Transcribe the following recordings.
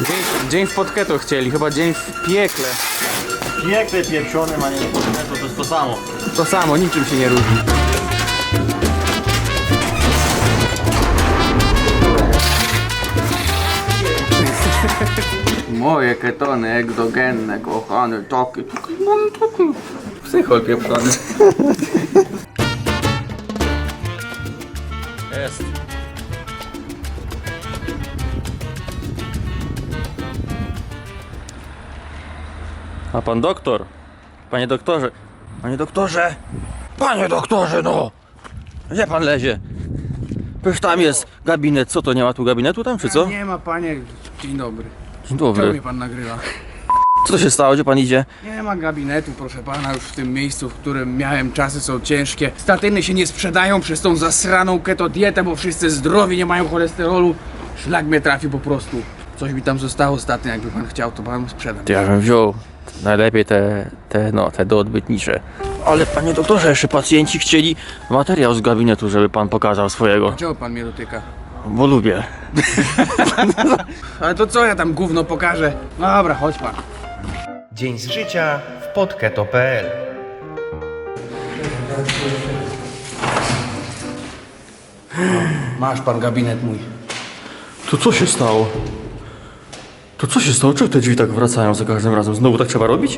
Dzień w podketo chcieli, chyba dzień w piekle. Piekle pieprzone, a nie to jest to samo. To samo, niczym się nie różni. Moje ketony egzogenne, kochany, taki psychol pieprzony. Jest. A pan doktor? Panie doktorze? Panie doktorze! Panie doktorze, no! Gdzie pan lezie? Przecież tam jest gabinet. Co to, nie ma tu gabinetu tam, czy co? Nie ma, panie. Dzień dobry. Dzień Czemu dobry. mnie pan nagrywa? Co się stało? Gdzie pan idzie? Nie ma gabinetu, proszę pana, już w tym miejscu, w którym miałem, czasy są ciężkie. Statyny się nie sprzedają przez tą zasraną keto dietę, bo wszyscy zdrowi, nie mają cholesterolu. Szlak mnie trafił po prostu. Coś mi tam zostało statyn, jakby pan chciał, to pan sprzedam. Ja bym wziął najlepiej te doodbytnicze. Ale panie doktorze, jeszcze pacjenci chcieli materiał z gabinetu, żeby pan pokazał swojego. Czego pan mnie dotyka? Bo lubię. Ale to co ja tam gówno pokażę? No dobra, chodź pan. Dzień z życia w podketo.pl. Masz pan gabinet mój. To co się stało? To co się stało? Czemu te drzwi tak wracają za każdym razem? Znowu tak trzeba robić?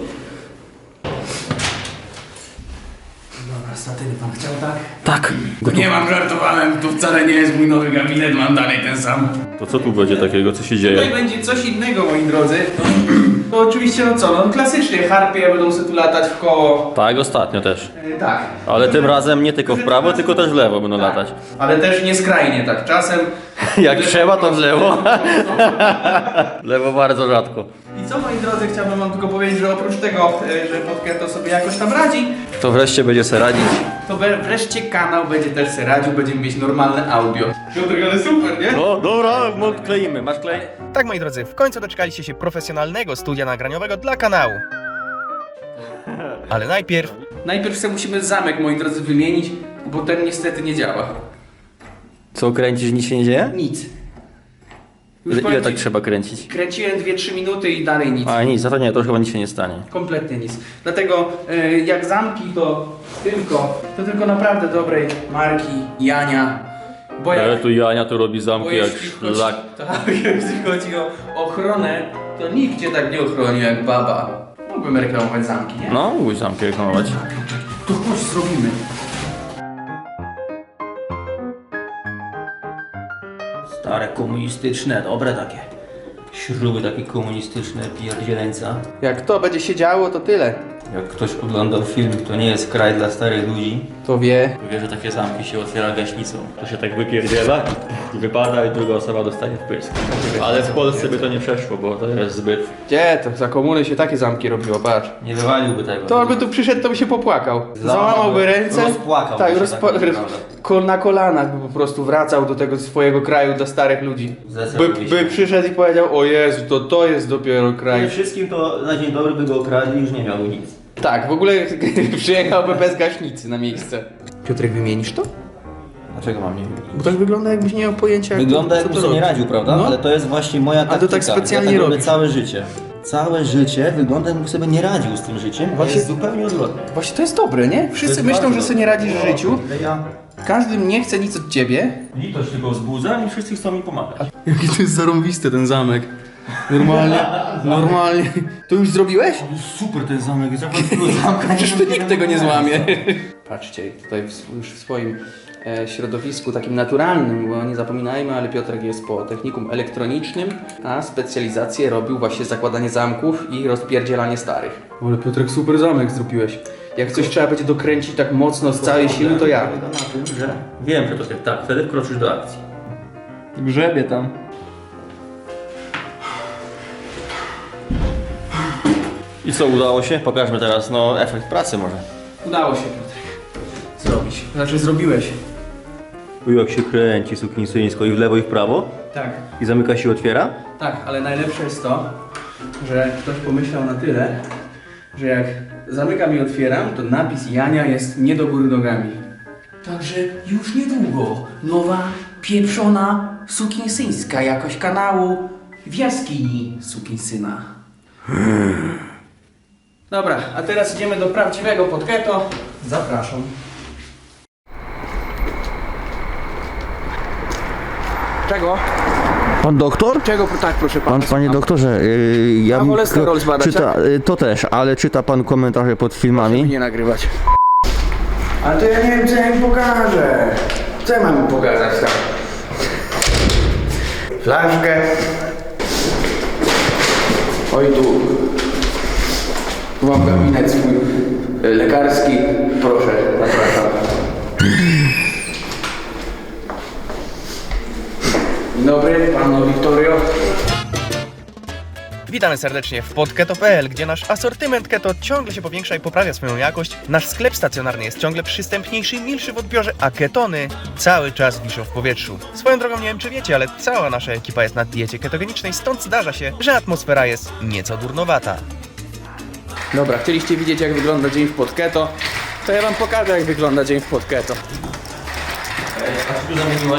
Dobra, statyny pan chciał, tak? Tak. Nie mam, żartowałem, to wcale nie jest mój nowy gabinet, mam dalej ten sam. To co tu będzie takiego? Co się Tutaj dzieje? będzie coś innego, moi drodzy. To oczywiście, no co, no klasycznie harpie będą sobie tu latać w koło. Tak, ostatnio też. Tak. Ale tym razem nie tylko w prawo, tylko też w lewo będą latać. Ale też nie skrajnie, tak. Czasem... Jak trzeba, to w lewo. W lewo bardzo rzadko. I co, moi drodzy, chciałbym wam tylko powiedzieć, że oprócz tego, że Podketo sobie jakoś tam radzi, To wreszcie będzie se radzić. to wreszcie kanał będzie też se radził, będziemy mieć normalne audio. Piotr, ale super, nie? No dobra, kleimy. Masz klej? Tak, moi drodzy, w końcu doczekaliście się profesjonalnego studia nagraniowego dla kanału. Ale najpierw Najpierw sobie musimy zamek, moi drodzy, wymienić, bo ten niestety nie działa. Co, kręcisz, nic się nie dzieje? Nic. Już Ile powiem tak ci, trzeba kręcić? kręciłem 2-3 minuty i dalej nic. A nic, za to nie, to chyba nic się nie stanie. Kompletnie nic. Dlatego jak zamki to tylko naprawdę dobrej marki Jania. Bo jak, Tu Jania tu robi bo zamki jak jeśli chodzi, szlak. tak, jeśli chodzi o ochronę, to nikt cię tak nie ochroni jak baba. Mógłbym reklamować zamki, nie? No, mógłbyś zamki reklamować. To chodź, zrobimy. Stare komunistyczne, dobre takie. Śruby takie komunistyczne, pierdzieleńca. Jak to będzie się działo, to tyle. Jak ktoś oglądał film, to nie jest kraj dla starych ludzi, To wie. to wie, że takie zamki się otwiera gaśnicą. To się tak wypierdziela i wypada i druga osoba dostaje wprysk. Ale w Polsce by to nie przeszło, bo to jest zbyt... Gdzie to? Za komuny się takie zamki robiło, patrz. Nie wywaliłby tego. To on by tu przyszedł, to by się popłakał. Załamałby ręce. Rozpłakał Tak, by się, tak naprawdę. na kolanach by po prostu wracał do tego swojego kraju dla starych ludzi. Zdecydowanie. By przyszedł i powiedział, o Jezu, to jest dopiero kraj. Przede wszystkim to na dzień dobry by go okradli i już nie miałby nic. Tak, w ogóle przyjechałby bez gaśnicy na miejsce. Piotrek, wymienisz to? Dlaczego mam nie wymienić? Bo tak wygląda, jakbyś nie miał pojęcia, Wygląda co jakby to sobie nie robi. radził, prawda? No. Ale to jest właśnie moja taktyka. to tak specjalnie ja tak robię robisz. całe życie. Całe życie wygląda jakbym sobie nie radził z tym życiem, a Właśnie- jest zupełnie odwrotnie. Właśnie to jest dobre, nie? Wszyscy jest myślą, bardzo że sobie nie radzisz w życiu. Ja Każdy nie chce nic od ciebie. litość tylko wzbudzam i wszyscy chcą mi pomagać. Jaki to jest zarąbisty ten zamek. Normalnie. To już zrobiłeś? Super ten zamek, jest jak zamka. Przecież tu nikt tego nie złamie. Patrzcie, tutaj już w swoim środowisku takim naturalnym, bo nie zapominajmy, ale Piotrek jest po technikum elektronicznym, a specjalizację robił właśnie zakładanie zamków i rozpierdzielanie starych. Ale Piotrek, super zamek zrobiłeś. Jak coś trzeba będzie dokręcić tak mocno z całej siły, to ja. Polega na tym, że wiem, że to jest tak, wtedy wkroczysz do akcji. Grzebie tam. I co, udało się? Pokażmy teraz, no, efekt pracy może. Udało się, Piotrek. Zrobić. Znaczy zrobiłeś. Jak się kręci suknisyńsko i w lewo i w prawo Tak. i zamyka się, otwiera. Tak, ale najlepsze jest to, że ktoś pomyślał na tyle, że jak zamykam i otwieram, to napis Jania jest nie do góry nogami. Także już niedługo nowa, pieprzona, sukinsyńska jakość kanału w jaskini sukinsyna. Dobra, a teraz idziemy do prawdziwego Podketo. Zapraszam. Czego? Pan doktor? Czego? Tak, proszę pana. Panie doktorze, ja A cholesterol zbadać, czyta, to też, ale czyta pan komentarze pod filmami? Nie nagrywać. Ale to ja nie wiem, co ja im pokażę. Co ja mam im pokazać tam? Flaszkę. Oj tu. Tu mam gabinet swój lekarski. Proszę, zapraszam. Dzień dobry, panu Wiktorio. Witamy serdecznie w podketo.pl, gdzie nasz asortyment keto ciągle się powiększa i poprawia swoją jakość. Nasz sklep stacjonarny jest ciągle przystępniejszy i milszy w odbiorze, a ketony cały czas wiszą w powietrzu. Swoją drogą nie wiem czy wiecie, ale cała nasza ekipa jest na diecie ketogenicznej, stąd zdarza się, że atmosfera jest nieco durnowata. Dobra, chcieliście widzieć jak wygląda dzień w Podketo? To ja wam pokażę jak wygląda dzień w Podketo. A co tu zamieniłeś?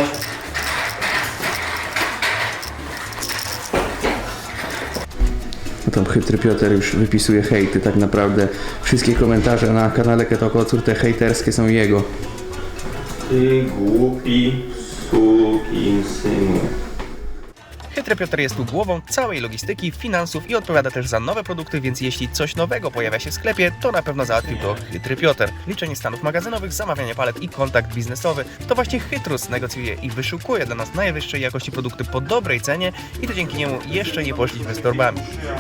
Tam chytry Piotr już wypisuje hejty, tak naprawdę wszystkie komentarze na kanale Keto Kocur, te hejterskie są jego. Ty głupi sukinsynu. Chytry Piotr jest tu głową całej logistyki, finansów i odpowiada też za nowe produkty, więc jeśli coś nowego pojawia się w sklepie, to na pewno załatwił to Chytry Piotr. Liczenie stanów magazynowych, zamawianie palet i kontakt biznesowy. To właśnie Chytrus negocjuje i wyszukuje dla nas najwyższej jakości produkty po dobrej cenie i to dzięki niemu jeszcze nie poszliśmy z torbami.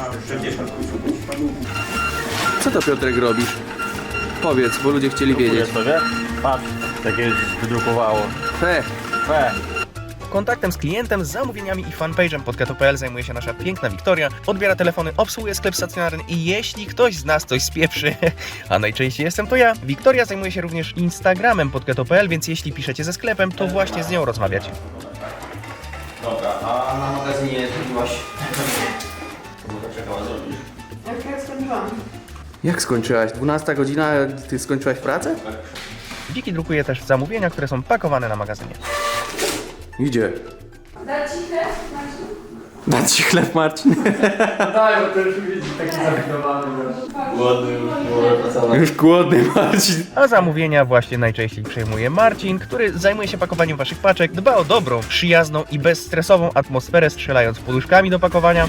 Co to Piotrek robisz? Powiedz, bo ludzie chcieli wiedzieć. sobie? Patrz, takie wydrukowało. Fe. Kontaktem z klientem, zamówieniami i fanpage'em podketo.pl zajmuje się nasza piękna Wiktoria, odbiera telefony, obsługuje sklep stacjonarny i jeśli ktoś z nas coś spieprzy, a najczęściej jestem to ja, Wiktoria zajmuje się również Instagramem podketo.pl, więc jeśli piszecie ze sklepem, to właśnie z nią rozmawiacie. Dobra, a na magazynie zrobiłaś... Co czekała zrobić? Jak ja skończyłam? Jak skończyłaś? 12 godzina, a ty skończyłaś pracę? Wiki drukuje też zamówienia, które są pakowane na magazynie. Idzie. Dać ci chleb, Marcin? Dać ci chleb, Marcin. Tak, Już głodny, Marcin. A zamówienia właśnie najczęściej przejmuje Marcin, który zajmuje się pakowaniem waszych paczek, dba o dobrą, przyjazną i bezstresową atmosferę, strzelając poduszkami do pakowania.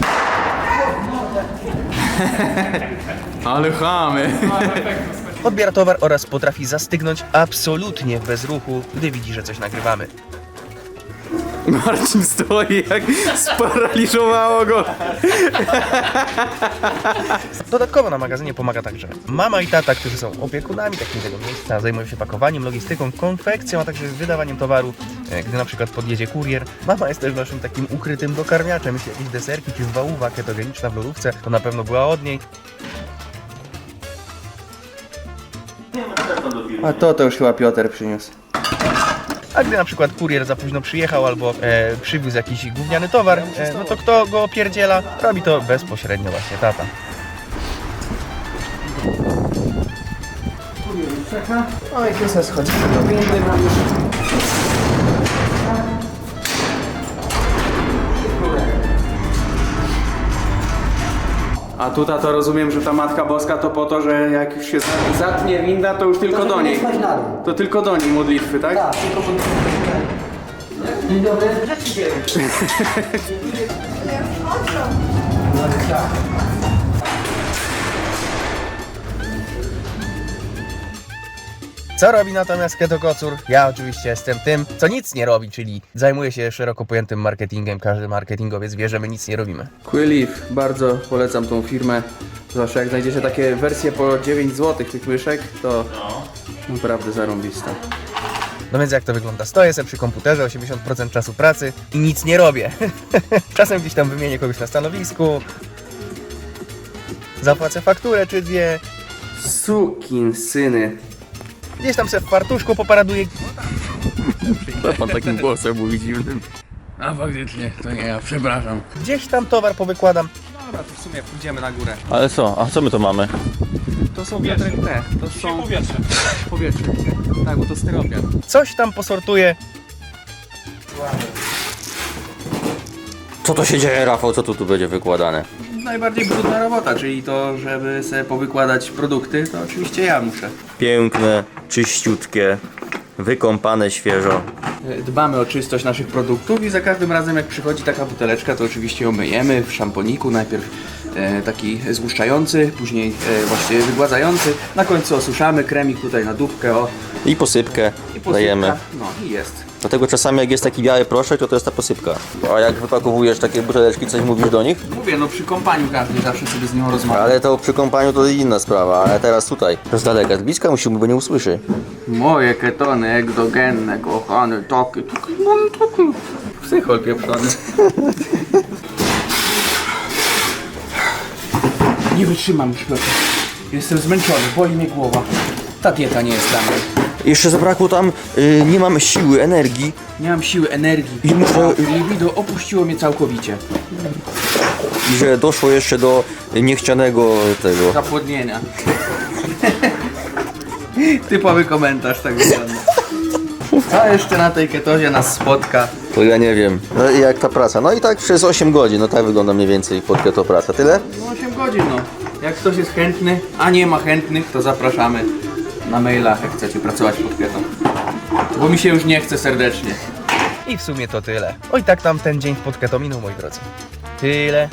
Ale chamy. Odbiera towar oraz potrafi zastygnąć absolutnie bez ruchu, gdy widzi, że coś nagrywamy. Marcin stoi jak sparaliżowało go. Dodatkowo na magazynie pomaga także mama i tata, którzy są opiekunami takiego miejsca, zajmują się pakowaniem, logistyką, konfekcją, a także wydawaniem towaru, gdy na przykład podjedzie kurier. Mama jest też naszym takim ukrytym dokarmiaczem, jeśli jakieś deserki czy wałówa ketogeniczna w lodówce, to na pewno była od niej. A to już chyba Piotr przyniósł. A gdy na przykład kurier za późno przyjechał albo przywiózł jakiś gówniany towar, no to kto go opierdziela? Robi to bezpośrednio właśnie tata. Oj, chyba schodzi do windy, mam już. A tutaj to rozumiem, że ta Matka Boska to po to, że jak już się zatnie winda, to już tylko do niej. To tylko do niej modlitwy, tak? Tak, tylko Dzień dobry. Co robi natomiast Keto Kocur? Ja oczywiście jestem tym, co nic nie robi, czyli zajmuję się szeroko pojętym marketingiem. Każdy marketingowiec wie, że my nic nie robimy. Quilleaf, bardzo polecam tą firmę. Zwłaszcza jak znajdziecie takie wersje po 9 zł tych myszek, to naprawdę zarąbista. No więc jak to wygląda? Stoję sobie przy komputerze 80% czasu pracy i nic nie robię. Czasem gdzieś tam wymienię kogoś na stanowisku, zapłacę fakturę czy dwie, Sukinsyny. gdzieś tam sobie w fartuszku poparaduję. Pan takim głosem mówi dziwnym. A faktycznie, to nie ja, przepraszam. Gdzieś tam towar powykładam. Dobra, to w sumie pójdziemy na górę. Ale co? A co my to mamy? To są Piotrek te, to są... Powietrze. Tak, bo to styropian. Coś tam posortuję. Co to się dzieje, Rafał? Co tu będzie wykładane? Najbardziej brudna robota, czyli to, żeby sobie powykładać produkty, to oczywiście ja muszę. Piękne, czyściutkie, wykąpane świeżo. Dbamy o czystość naszych produktów i za każdym razem jak przychodzi taka buteleczka, to oczywiście ją myjemy w szamponiku, najpierw taki złuszczający, później właśnie wygładzający, na końcu osuszamy, kremik tutaj na dupkę, o, I posypkę i posypka. dajemy. No i jest. Dlatego czasami jak jest taki biały proszek, to jest ta posypka. A jak wypakowujesz takie buteleczki, coś mówisz do nich? Mówię, no przy kąpaniu każdy zawsze sobie z nią rozmawia. Ale to przy kąpaniu to inna sprawa, ale teraz tutaj. Z daleka, z bliska musimy, bo nie usłyszy. Moje ketony egzogenne, kochany, taki. Psychol pieprzony. Nie wytrzymam już, Piotr. Jestem zmęczony, boli mnie głowa. Ta dieta nie jest dla mnie. Jeszcze zabrakło tam, nie mam siły, energii. Nie mam siły, energii. I muszę- Libido opuściło mnie całkowicie. I że doszło jeszcze do niechcianego tego. Zapłodnienia. Typowy komentarz tak wygląda. Co jeszcze na tej ketozie nas spotka? To ja nie wiem. No i jak ta praca? No i tak przez 8 godzin, no tak wygląda mniej więcej pod keto praca. Tyle? No 8 godzin, no. Jak ktoś jest chętny, a nie ma chętnych, to zapraszamy na mailach, jak chcecie pracować pod ketą. Bo mi się już nie chce serdecznie. I w sumie to tyle. Oj, tak tam ten dzień w podketo minął, moi drodzy. Tyle.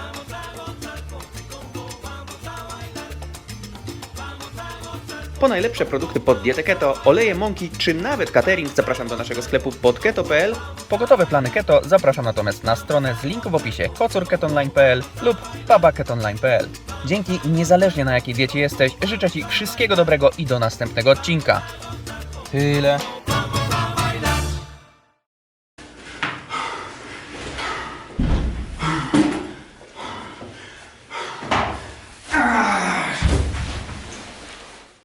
Po najlepsze produkty pod dietę keto, oleje, mąki czy nawet catering zapraszam do naszego sklepu podketo.pl. Po gotowe plany keto zapraszam natomiast na stronę z linku w opisie kocurketonline.pl lub babaketonline.pl. Dzięki i niezależnie na jakiej diecie jesteś, życzę Ci wszystkiego dobrego i do następnego odcinka. Tyle.